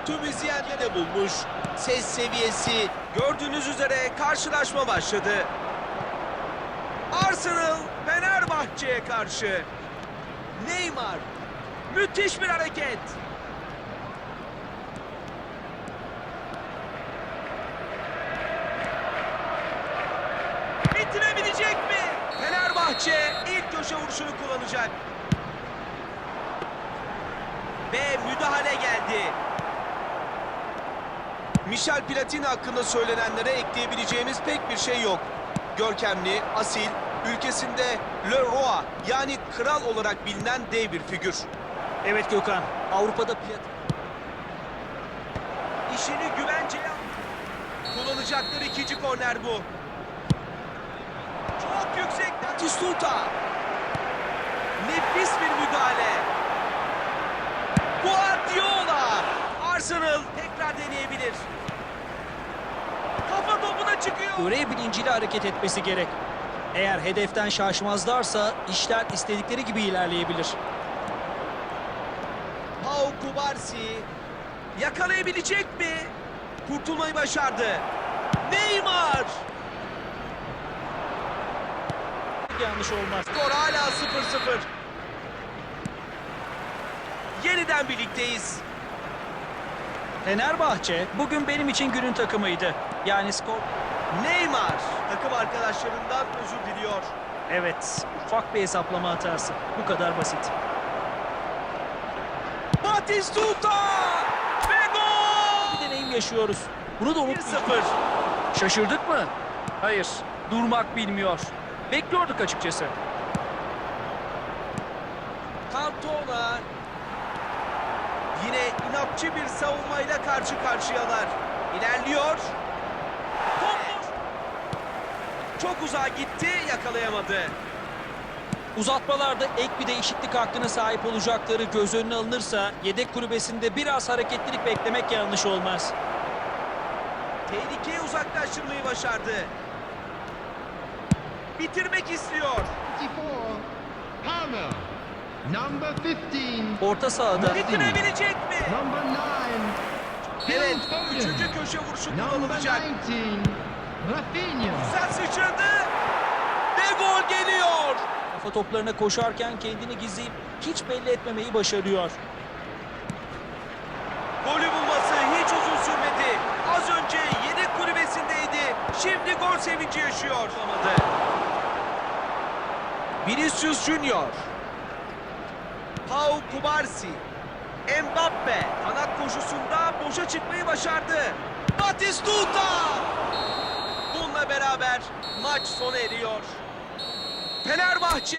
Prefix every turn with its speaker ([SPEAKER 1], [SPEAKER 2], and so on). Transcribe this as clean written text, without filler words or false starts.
[SPEAKER 1] Tüm izleyenleri de bulmuş. Ses seviyesi gördüğünüz üzere karşılaşma başladı. Arsenal Fenerbahçe'ye karşı. Neymar. Müthiş bir hareket. Bitirebilecek mi? Fenerbahçe ilk köşe vuruşunu kullanacak. Ve müdahale geldi. Michel Platini hakkında söylenenlere ekleyebileceğimiz pek bir şey yok. Görkemli, asil, ülkesinde Le Roi yani kral olarak bilinen dev bir figür.
[SPEAKER 2] Evet Gökhan, Avrupa'da
[SPEAKER 1] İşini güvenceye kullanacakları ikinci korner bu. Çok yüksek Batistuta. Nefis bir müdahale. Guardiola. Arsenal tekrar deneyebilir. Kafa topuna çıkıyor.
[SPEAKER 2] görev bilinciyle hareket etmesi gerek. Eğer hedeften şaşmazlarsa işler istedikleri gibi ilerleyebilir.
[SPEAKER 1] Pau Kubarsi yakalayabilecek mi? Kurtulmayı başardı. Neymar.
[SPEAKER 2] Yanlış olmaz.
[SPEAKER 1] Skor hala 0-0. Yeniden birlikteyiz.
[SPEAKER 2] Fenerbahçe bugün benim için günün takımıydı. Yani skor...
[SPEAKER 1] Neymar takım arkadaşlarından özür diliyor.
[SPEAKER 2] Evet, ufak bir hesaplama hatası. Bu kadar basit.
[SPEAKER 1] Batistuta ve gol!
[SPEAKER 2] Bir deneyim yaşıyoruz. Bunu da
[SPEAKER 1] 1-0.
[SPEAKER 2] unutmayın. Şaşırdık mı? Hayır, durmak bilmiyor. Bekliyorduk açıkçası.
[SPEAKER 1] Cantona yine inatçı bir savunmayla karşı karşıyalar. İlerliyor. Top çok uzağa gitti, yakalayamadı.
[SPEAKER 2] Uzatmalarda ek bir değişiklik hakkına sahip olacakları göz önüne alınırsa yedek kulübesinde biraz hareketlilik beklemek yanlış olmaz.
[SPEAKER 1] Tehlikeyi uzaklaştırmayı başardı. Bitirmek istiyor.
[SPEAKER 3] 54. Palmer. Number 15.
[SPEAKER 2] Orta sahada
[SPEAKER 1] Bitirebilecek mi?
[SPEAKER 3] Number 9.
[SPEAKER 1] Evet,
[SPEAKER 3] Phil Foden.
[SPEAKER 1] üçüncü köşe vuruşu
[SPEAKER 3] Number
[SPEAKER 1] kullanılacak.
[SPEAKER 3] 19. Rafinha.
[SPEAKER 1] Güzel sıçradı. Ve gol geliyor.
[SPEAKER 2] kafa toplarına koşarken kendini gizleyip hiç belli etmemeyi başarıyor.
[SPEAKER 1] Golü bulması hiç uzun sürmedi. Az önce yedek kulübesindeydi. Şimdi gol sevinci yaşıyor. Olamadı. Vinicius Junior. Pau Kubarsi. Mbappe kanat koşusunda boşa çıkmayı başardı. Batistuta. Bununla beraber maç sona eriyor. Fenerbahçe